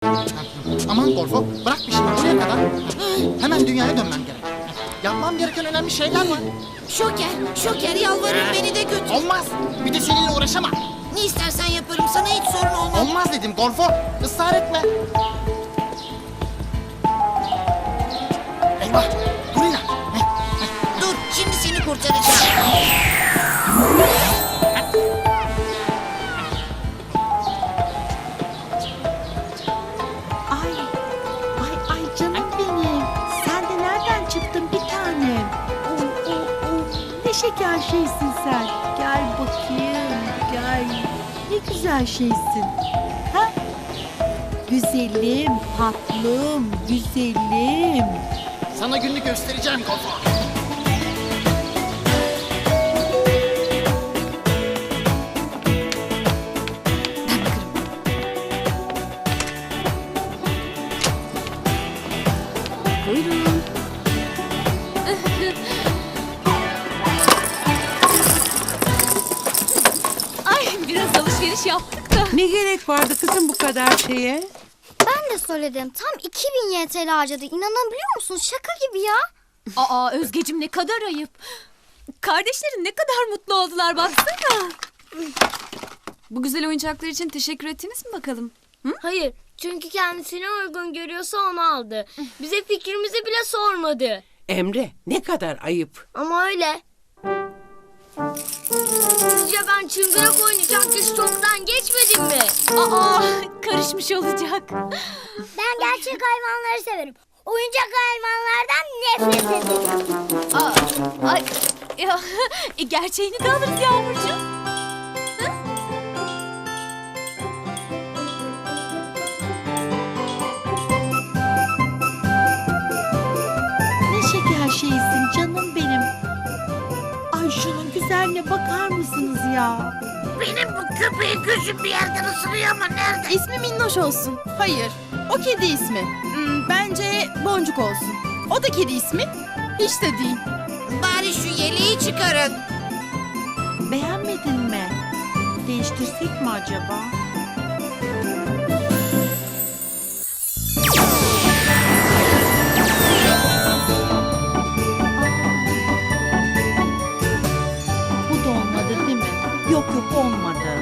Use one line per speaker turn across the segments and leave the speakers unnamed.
Aman Gorfo, bırak bir şey buraya kadar. Hemen dünyaya dönmem gerek. Yapmam gereken önemli şeyler var.
Şoker yalvarırım beni de götür.
Olmaz. Bir de seninle uğraşamam.
Ne istersen yaparım, sana hiç sorun olmaz.
Olmaz dedim Gorfo. Israr etme. Eyvah. Gurina.
Dur, şimdi seni kurtaracağım.
Ay canım benim. Sen de nereden çıktın bir tanem? Ne şeker şeysin sen. Gel bakayım, gel. Ne güzel şeysin. Ha? Güzelim, tatlım, güzelim.
Sana gününü göstereceğim Gorfo.
Buyurun. Ay biraz alışveriş yaptık da.
Ne gerek vardı kızım bu kadar şeye?
Ben de söyledim. Tam 2000 YTL harcadı. İnanabiliyor musun? Şaka gibi ya.
Aa Özgeciğim ne kadar ayıp. Kardeşlerin ne kadar mutlu oldular baksana. Bu güzel oyuncaklar için teşekkür ettiniz mi bakalım?
Hayır, çünkü kendisine uygun görüyorsa onu aldı. Bize fikrimizi bile sormadı.
Emre, ne kadar ayıp.
Ama öyle. Sizce ben çıngırak oynayacak yaş çoktan geçmedim mi?
Aa karışmış olacak.
Ben gerçek hayvanları severim. Oyuncak hayvanlardan nefret ederim.
Ay ya gerçeğini de alırız Yağmurcuğum.
Ne şeker şeysin canım benim. Ay şunun güzelliğine bakar mısınız ya?
Benim bu köpeğin gözüm bir yerden ısırıyor ama nerede?
İsmi Minnoş olsun. Hayır. O kedi ismi. Bence Boncuk olsun. O da kedi ismi. Hiç de değil.
Bari şu yeleği çıkarın.
Beğenmedin mi? Değiştirsek mi acaba? Bu da olmadı değil mi? Yok olmadı.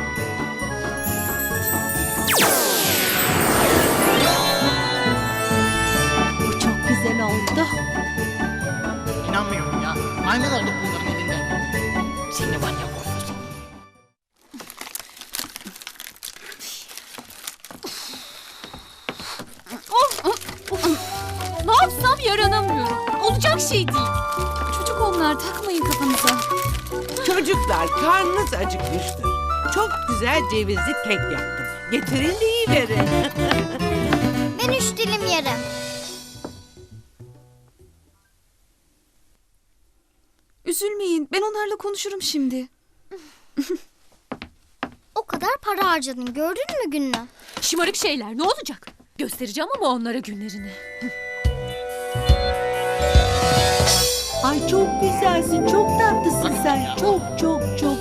Bu çok güzel oldu.
İnanmıyorum ya. Maymun olduk bunların elinde. Seni var ya Gorfo seni.
Ne yapsam yaranamıyorum. Olacak şey değil. Çocuk onlar takmayın kafanıza.
Çocuklar, karnınız acıkmıştır. Çok güzel cevizli kek yaptım. Getirin de yiyiverin.
Ben 3 dilim yerim.
Üzülmeyin. Ben onlarla konuşurum şimdi.
O kadar para harcadın. Gördün mü gününü?
Şımarık şeyler ne olacak? Göstereceğim ama onlara günlerini.
Ay çok güzelsin, çok tatlısın sen. Çok çok çok.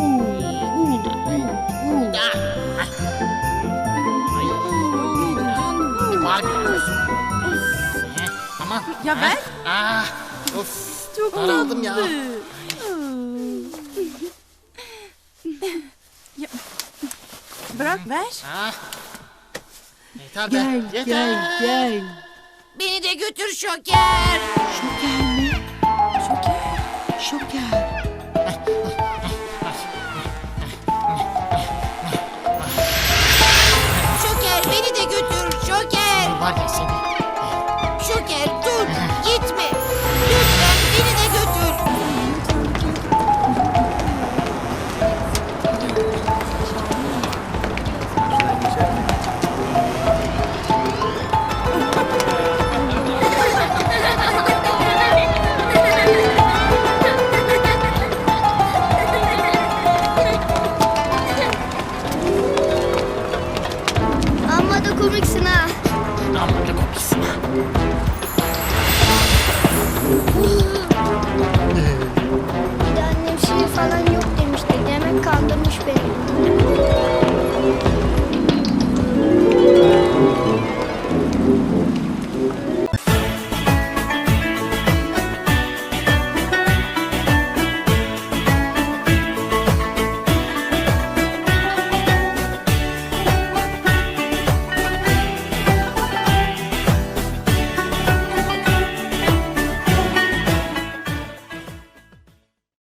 Var biraz. Ama.
Ya ben?
Of.
Çok
Daraldım ya.
Bırak ver.
Yeter be.
Gel
Yeter.
gel.
Beni de götür Şoker.
Şoker mi? Şoker.
Şoker beni de götür Şoker.
Var ya seni.